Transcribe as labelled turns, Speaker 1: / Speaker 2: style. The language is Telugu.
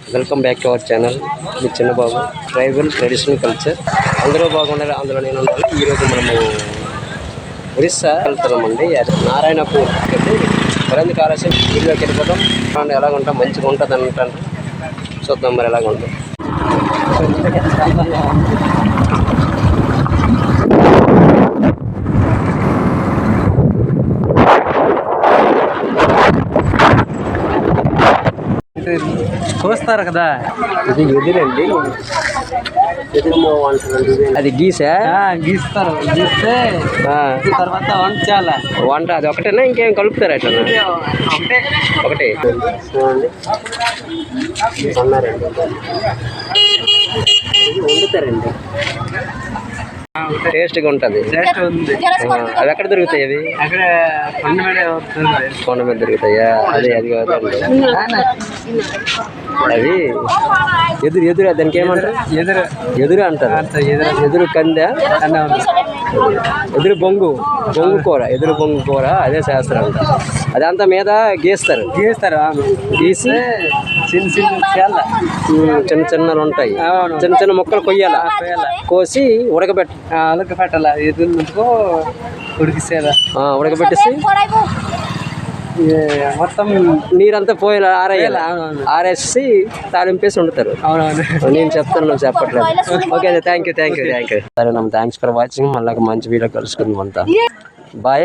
Speaker 1: Welcome back to our channel. మీ చిన్నబాబు. ట్రైబల్ ట్రెడిషనల్ కల్చర్ అందరూ బాగుండాలి, అందులో నేను ఉండాలి. ఈరోజు మనము ఒరిస్సా వెళ్తున్నామండి. నారాయణపూర్ వరంది కాలేజీ వీడియోకి వెళ్ళిపోతాం. ఎలాగ ఉంటాం, మంచిగా ఉంటుంది అంటారు. చూద్దాం మరి ఎలాగ ఉంటుంది.
Speaker 2: కోస్తారు కదా,
Speaker 1: ఇది ఎదురండి. ఎదురు అది గీసా
Speaker 2: గీస్తారు. గీస్తే తర్వాత వంచాలా.
Speaker 1: వంట అది ఒకటేనా, ఇంకేం కలుపుతారు అట్లా? ఒకటే చూడండి. అన్నారండి వండుతారండి, టేస్ట్గా ఉంటుంది. అవి ఎక్కడ దొరుకుతాయి? అవి
Speaker 2: అక్కడ
Speaker 1: కొండ మీద దొరుకుతాయా? అది అది కాదండి, అవి ఎదురు ఎదురు దానికి ఏమంటారు? ఎదురు అంటారు. ఎదురు కందా, ఎదురు బొంగు కూర, ఎదురు బొంగు కూర. అదే శాస్త్రం అంట. అదంతా మీద గీస్తారు. గీసి చిన్న చిన్నలు ఉంటాయి, చిన్న చిన్న ముక్కలు కొయ్యాల. కోసి
Speaker 2: ఉడకబెట్టాల. ఎదురు నుంచుకో ఉడికిసేదా,
Speaker 1: ఉడకబెట్టేసి
Speaker 2: మొత్తం
Speaker 1: నీరంతా పోయేలా ఆరేయాలి. ఆరేసి తాలింపేసి వండుతారు. నేను చెప్తాను, నువ్వు చెప్పట్లేదు. Okay, thank you. సరే, థ్యాంక్స్ ఫర్ వాచింగ్. మళ్ళీ మంచి వీడియో కలుసుకుందాం అంతా. బాయ్.